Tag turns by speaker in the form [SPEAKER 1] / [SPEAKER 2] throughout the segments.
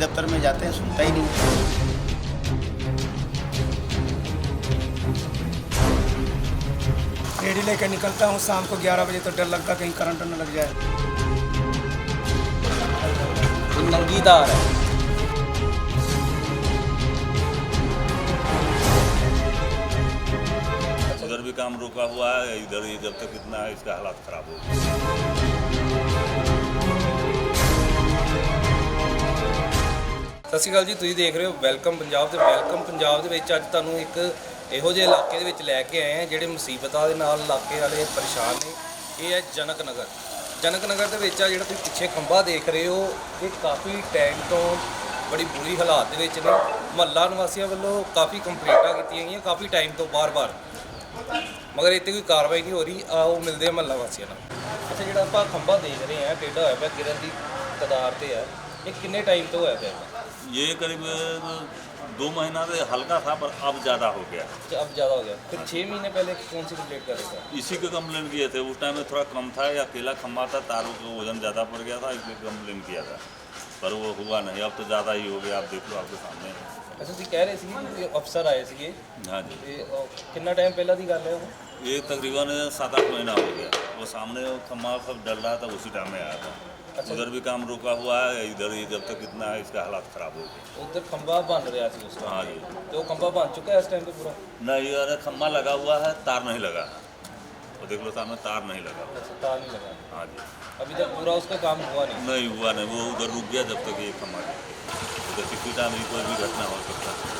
[SPEAKER 1] दफ्तर में जाते हैं, सुनता ही नहीं है।
[SPEAKER 2] रेडी लेकर निकलता हूँ शाम को 11 बजे, तो डर लगता कहीं करंट न लग जाए।
[SPEAKER 3] नंगी तार है।
[SPEAKER 4] उधर भी काम रुका हुआ है, इधर ही जब तक इतना है इसका हालात खराब हो गए।
[SPEAKER 3] ਸਤਿ ਸ਼੍ਰੀ ਅਕਾਲ ਜੀ, ਤੁਸੀਂ ਦੇਖ ਰਹੇ ਹੋ ਵੈਲਕਮ ਪੰਜਾਬ ਤੇ ਵੈਲਕਮ ਪੰਜਾਬ ਦੇ ਵਿੱਚ ਅੱਜ ਤੁਹਾਨੂੰ ਇੱਕ ਇਹੋ ਜਿਹੇ ਇਲਾਕੇ ਦੇ ਵਿੱਚ ਲੈ ਕੇ ਆਏ ਆ ਜਿਹੜੇ ਮੁਸੀਬਤਾਂ ਦੇ ਨਾਲ ਇਲਾਕੇ ਵਾਲੇ ਪਰੇਸ਼ਾਨ ਨੇ। ਇਹ ਹੈ ਜਨਕ ਨਗਰ। ਜਨਕ ਨਗਰ ਦੇ ਵਿੱਚ ਆ ਜਿਹੜਾ ਤੁਸੀਂ ਪਿੱਛੇ ਖੰਭਾ ਦੇਖ ਰਹੇ ਹੋ, ਇਹ ਕਾਫੀ ਟਾਈਮ ਤੋਂ ਬੜੀ ਬੁਰੀ ਹਾਲਾਤ ਦੇ ਵਿੱਚ ਨੇ। ਮੁਹੱਲਾ ਨਿਵਾਸੀਆਂ ਵੱਲੋਂ ਕਾਫੀ ਕੰਪਲੇਂਟਾਂ ਕੀਤੀਆਂ ਗਈਆਂ ਕਾਫੀ ਟਾਈਮ ਤੋਂ ਬਾਰ-ਬਾਰ, ਮਗਰ ਇੱਥੇ ਕੋਈ ਕਾਰਵਾਈ ਨਹੀਂ ਹੋ ਰਹੀ। ਆਓ ਮਿਲਦੇ ਆ ਮੁਹੱਲਾ ਵਾਸੀਆਂ ਨਾਲ। ਅੱਛਾ, ਜਿਹੜਾ ਆਪਾਂ ਖੰਭਾ ਦੇਖ ਰਹੇ ਆ ਟੇਢਾ ਹੋਇਆ ਪਿਆ, ਗਿਰਨ ਦੀ ਕਦਾਰ ਤੇ ਆ, ਇਹ ਕਿੰਨੇ ਟਾਈਮ ਤੋਂ ਹੋਇਆ ਪਿਆ?
[SPEAKER 4] ये करीब 2 महीना से हल्का था, पर अब ज़्यादा हो गया।
[SPEAKER 3] अब ज़्यादा हो गया। फिर 6 महीने पहले कौन सी कंप्लेंट कर रहे थे?
[SPEAKER 4] इसी के कंप्लेन किए थे। उस टाइम में थोड़ा कम था, या अकेला खम्भा था, तारों का वजन ज़्यादा पड़ गया था, इसलिए कंप्लेन किया था, पर वो हुआ नहीं। अब तो ज़्यादा ही हो गया, आप देख लो, आपके सामने है।
[SPEAKER 3] अच्छा, ਤੁਸੀਂ ਕਹਿ ਰਹੇ ਸੀ ਕਿ ਅਫਸਰ ਆਏ ਸੀਗੇ,
[SPEAKER 4] हाँ जी,
[SPEAKER 3] ਤੇ ਕਿੰਨਾ ਟਾਈਮ ਪਹਿਲਾਂ ਦੀ ਗੱਲ ਹੈ ਉਹ?
[SPEAKER 4] ये तकरीबन 7-8 महीना हो गया। वो सामने वो खम्भा सब डल रहा था, उसी टाइम में आया था। उधर भी काम रुका हुआ है, इधर ही जब तक इतना है इसका हालात खराब हो गए।
[SPEAKER 3] ਉਧਰ ਖੰਭਾ ਬਣ ਰਿਹਾ ਸੀ ਉਸ
[SPEAKER 4] हाँ
[SPEAKER 3] ਟਾਈਮ,
[SPEAKER 4] जी,
[SPEAKER 3] ਤੇ ਉਹ ਖੰਭਾ ਬਣ ਚੁੱਕਾ ਹੈ ਇਸ ਟਾਈਮ ਤੇ ਪੂਰਾ?
[SPEAKER 4] नहीं, अरे खम्भा लगा हुआ है, तार नहीं लगा। वो देख लो सामने, तार नहीं लगा।
[SPEAKER 3] अच्छा, तार नहीं लगा
[SPEAKER 4] हाँ जी,
[SPEAKER 3] अभी तक, पूरा उसका काम हुआ नहीं।
[SPEAKER 4] नहीं हुआ नहीं। वो उधर रुक गया जब तक ये खम्भा गिर गया। उधर किसी टाइम भी कोई भी घटना हो सकता है।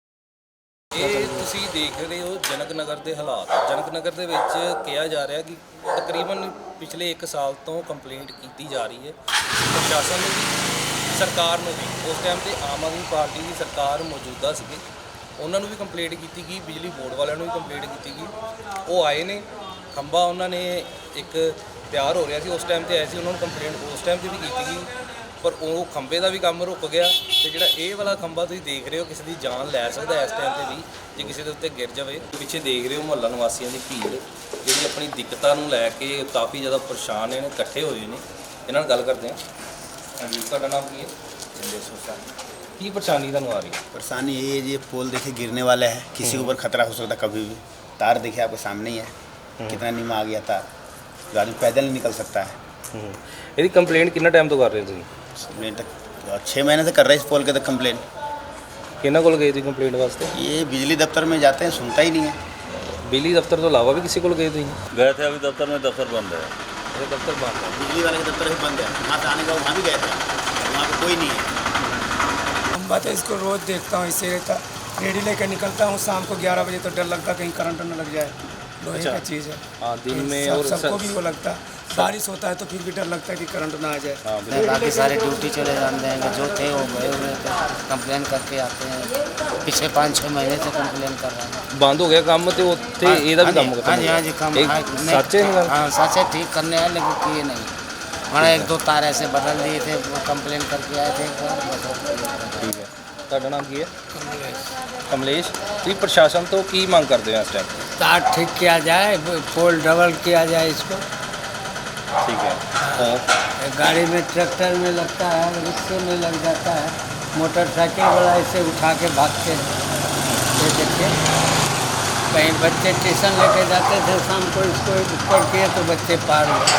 [SPEAKER 3] ਇਹ ਤੁਸੀਂ ਦੇਖ ਰਹੇ ਹੋ ਜਨਕ ਨਗਰ ਦੇ ਹਾਲਾਤ। ਜਨਕ ਨਗਰ ਦੇ ਵਿੱਚ ਕਿਹਾ ਜਾ ਰਿਹਾ ਕਿ ਤਕਰੀਬਨ ਪਿਛਲੇ 1 ਸਾਲ ਤੋਂ ਕੰਪਲੇਂਟ ਕੀਤੀ ਜਾ ਰਹੀ ਹੈ ਪ੍ਰਸ਼ਾਸਨ ਨੂੰ ਵੀ, ਸਰਕਾਰ ਨੂੰ ਵੀ। ਉਸ ਟਾਈਮ ਤੇ ਆਮ ਆਦਮੀ ਪਾਰਟੀ ਦੀ ਸਰਕਾਰ ਮੌਜੂਦਾ ਸੀਗੀ, ਉਹਨਾਂ ਨੂੰ ਵੀ ਕੰਪਲੇਂਟ ਕੀਤੀ ਗਈ, ਬਿਜਲੀ ਬੋਰਡ ਵਾਲਿਆਂ ਨੂੰ ਵੀ ਕੰਪਲੇਂਟ ਕੀਤੀ ਗਈ। ਉਹ ਆਏ ਨੇ, ਖੰਭਾ ਉਹਨਾਂ ਨੇ ਇੱਕ ਤਿਆਰ ਹੋ ਰਿਹਾ ਸੀ ਉਸ ਟਾਈਮ ਤੇ ਆਏ ਸੀ, ਉਹਨਾਂ ਨੂੰ ਕੰਪਲੇਂਟ ਉਸ ਟਾਈਮ ਤੇ ਵੀ ਕੀਤੀ ਗਈ, ਪਰ ਉਹ ਖੰਭੇ ਦਾ ਵੀ ਕੰਮ ਰੁਕ ਗਿਆ। ਤੇ ਜਿਹੜਾ ਇਹ ਵਾਲਾ ਖੰਭਾ ਤੁਸੀਂ ਦੇਖ ਰਹੇ ਹੋ, ਕਿਸੇ ਦੀ ਜਾਨ ਲੈ ਸਕਦਾ ਇਸ ਟਾਈਮ ਤੇ ਵੀ, ਜੇ ਕਿਸੇ ਦੇ ਉੱਤੇ ਗਿਰ ਜਾਵੇ। ਪਿੱਛੇ ਦੇਖ ਰਹੇ ਹੋ ਮੁਹੱਲਾ ਨਿਵਾਸੀਆਂ ਦੀ ਭੀੜ, ਜਿਹੜੀ ਆਪਣੀ ਦਿੱਕਤਾਂ ਨੂੰ ਲੈ ਕੇ ਕਾਫੀ ਜ਼ਿਆਦਾ ਪਰੇਸ਼ਾਨ ਨੇ, ਇਕੱਠੇ ਹੋਏ ਨੇ। ਇਹਨਾਂ ਨਾਲ ਗੱਲ ਕਰਦੇ ਹਾਂ। ਹਾਂਜੀ, ਤੁਹਾਡਾ ਨਾਮ ਕੀ ਹੈ? ਕੀ ਪਰੇਸ਼ਾਨੀ ਤੁਹਾਨੂੰ ਆ ਰਹੀ ਹੈ?
[SPEAKER 1] परेशानी यही है जी, पोल देखिए गिरने वाला है, किसी के ऊपर खतरा हो सकता है कभी भी। तार देखिए आपके सामने ही है, कितना नीमा आ गया तार, जो आदमी पैदल नहीं निकल सकता है।
[SPEAKER 3] ਇਹਦੀ ਕੰਪਲੇਂਟ ਕਿੰਨਾ ਟਾਈਮ ਤੋਂ ਕਰ ਰਹੇ ਹੋ ਤੁਸੀਂ?
[SPEAKER 1] कंप्लेन तक 6 महीने से कर रहे हैं इस पोल के तक कंप्लेन।
[SPEAKER 3] ਕਿਹਨਾਂ ਕੋਲ ਗਏ ਤੁਸੀਂ ਕੰਪਲੇਂਟ ਵਾਸਤੇ?
[SPEAKER 1] ये बिजली दफ्तर में जाते हैं, सुनता ही नहीं है।
[SPEAKER 3] ਬਿਜਲੀ ਦਫ਼ਤਰ ਤੋਂ ਇਲਾਵਾ ਵੀ ਕਿਸੇ ਕੋਲ ਗਏ ਤੁਸੀਂ?
[SPEAKER 4] गए थे, अभी दफ्तर में दफ्तर बंद है।
[SPEAKER 3] ਇਹ ਦਫ਼ਤਰ ਬੰਦ ਹੈ।
[SPEAKER 1] बिजली वाले के दफ्तर ही बंद है, वहाँ से आने का वहाँ भी गए थे, वहाँ पे कोई नहीं है।
[SPEAKER 2] खंबा तो इसको रोज़ देखता हूँ, इसे रहता रेडी लेकर निकलता हूँ शाम को 11 बजे, तो डर लगता कहीं करंट न लग जाए। लोहे का चीज़ है।
[SPEAKER 3] हाँ, दिन में और
[SPEAKER 2] सबको भी वो लगता है। बारिश होता है तो फिर भी डर लगता है कि करंट ना आ जाए।
[SPEAKER 3] हाँ, बिल्कुल।
[SPEAKER 5] बाकी सारे ड्यूटी चले जाते हैं, जो थे वो गए हुए थे, कंप्लेन करके आते हैं। पिछले 5-6 महीने से कंप्लेन कर रहे हैं।
[SPEAKER 3] ਬੰਦ ਹੋ ਗਿਆ ਕੰਮ, ਤੇ ਉੱਥੇ ਇਹਦਾ ਵੀ ਕੰਮ
[SPEAKER 5] हाँ
[SPEAKER 3] ਖਤਮ
[SPEAKER 5] जी, हाँ जी, काम
[SPEAKER 3] ਸੱਚ ਹੈ ਇਹ ਗੱਲ?
[SPEAKER 5] हाँ सच है, ठीक करने आए लेकिन किए नहीं। हमारा 1-2 तार ऐसे बदल दिए थे, वो कंप्लेन करके आए थे एक बार, बस।
[SPEAKER 3] ਠੀਕ ਹੈ। ਤੁਹਾਡਾ ਨਾਮ ਕੀ ਹੈ? कमलेश। ਤੁਸੀਂ ਪ੍ਰਸ਼ਾਸਨ ਤੋਂ ਕੀ ਮੰਗ ਕਰਦੇ ਹੋ ਇਸ ਟਾਈਮ?
[SPEAKER 6] तार ठीक किया जाए, पोल डबल किया जाए इसको।
[SPEAKER 3] ठीक है। और
[SPEAKER 6] गाड़ी में, ट्रैक्टर में लगता है, रिक्शे में लग जाता है, मोटरसाइकिल वाला इसे उठा के भागते हैं। ये देखिए, कहीं बच्चे ट्यूशन लेके जाते थे शाम को, इसको ऊपर किए तो बच्चे पार हुए।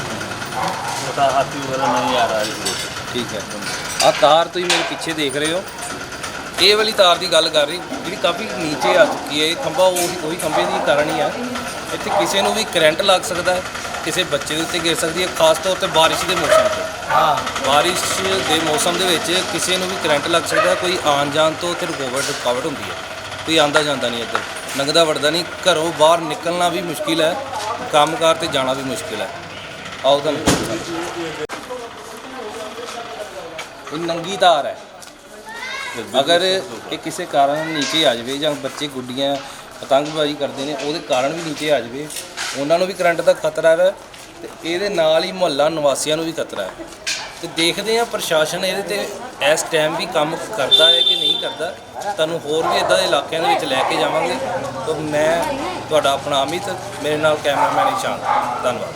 [SPEAKER 4] छोटा हाथी वगैरह नहीं आ रहा है इसलिए।
[SPEAKER 3] ਠੀਕ ਹੈ। ਆਹ ਤਾਰ ਤੁਸੀਂ ਮੇਰੇ ਪਿੱਛੇ ਦੇਖ ਰਹੇ ਹੋ, ਇਹ ਵਾਲੀ ਤਾਰ ਦੀ ਗੱਲ ਕਰ ਰਹੀ, ਜਿਹੜੀ ਕਾਫੀ ਨੀਚੇ ਆ ਚੁੱਕੀ ਹੈ। ਇਹ ਖੰਭਾ ਉਹੀ ਖੰਭੇ ਦੀ ਕਾਰਨ ਹੀ ਆ। ਇੱਥੇ ਕਿਸੇ ਨੂੰ ਵੀ ਕਰੰਟ ਲੱਗ ਸਕਦਾ ਹੈ, ਕਿਸੇ ਬੱਚੇ ਦੇ ਉੱਤੇ ਗਿਰ ਸਕਦੀ ਹੈ, ਖਾਸ ਤੌਰ ਤੇ ਬਾਰਿਸ਼ ਦੇ ਮੌਸਮ 'ਚ। ਬਾਰਿਸ਼ ਦੇ ਮੌਸਮ ਦੇ ਵਿੱਚ ਕਿਸੇ ਨੂੰ ਵੀ ਕਰੰਟ ਲੱਗ ਸਕਦਾ ਹੈ। ਕੋਈ ਆਉਣ ਜਾਣ ਤੋਂ ਤੇ ਰੁਕਾਵਟ ਹੁੰਦੀ ਹੈ, ਕੋਈ ਆਉਂਦਾ ਜਾਂਦਾ ਨਹੀਂ ਇੱਧਰ, ਲੰਘਦਾ ਵੜਦਾ ਨਹੀਂ, ਘਰੋਂ ਬਾਹਰ ਨਿਕਲਣਾ ਵੀ ਮੁਸ਼ਕਿਲ ਹੈ, ਕੰਮਕਾਰ ਤੇ ਜਾਣਾ ਵੀ ਮੁਸ਼ਕਿਲ ਹੈ। ਆਓ ਤੁਹਾਨੂੰ ਇਹ ਨੰਗੀ ਤਾਰ ਹੈ। ਅਗਰ ਇਹ ਕਿਸੇ ਕਾਰਨ ਨੀਚੇ ਆ ਜਾਵੇ, ਜਾਂ ਬੱਚੇ ਗੁੱਡੀਆਂ ਪਤੰਗਬਾਜ਼ੀ ਕਰਦੇ ਨੇ ਉਹਦੇ ਕਾਰਨ ਵੀ ਨੀਚੇ ਆ ਜਾਵੇ, ਉਹਨਾਂ ਨੂੰ ਵੀ ਕਰੰਟ ਦਾ ਖਤਰਾ ਹੈ, ਤੇ ਇਹਦੇ ਨਾਲ ਹੀ ਮੁਹੱਲਾ ਨਿਵਾਸੀਆਂ ਨੂੰ ਵੀ ਖਤਰਾ ਹੈ। ਤੇ ਦੇਖਦੇ ਹਾਂ ਪ੍ਰਸ਼ਾਸਨ ਇਹਦੇ ਤੇ ਇਸ ਟਾਈਮ ਵੀ ਕੰਮ ਕਰਦਾ ਹੈ ਕਿ ਨਹੀਂ ਕਰਦਾ। ਤੁਹਾਨੂੰ ਹੋਰ ਵੀ ਇੱਦਾਂ ਦੇ ਇਲਾਕਿਆਂ ਦੇ ਵਿੱਚ ਲੈ ਕੇ ਜਾਵਾਂਗੇ। ਤਾਂ ਮੈਂ ਤੁਹਾਡਾ ਆਪਣਾ ਅਮਿਤ, ਮੇਰੇ ਨਾਲ ਕੈਮਰਾਮੈਨ ਇਸ਼ਾਨ। ਧੰਨਵਾਦ।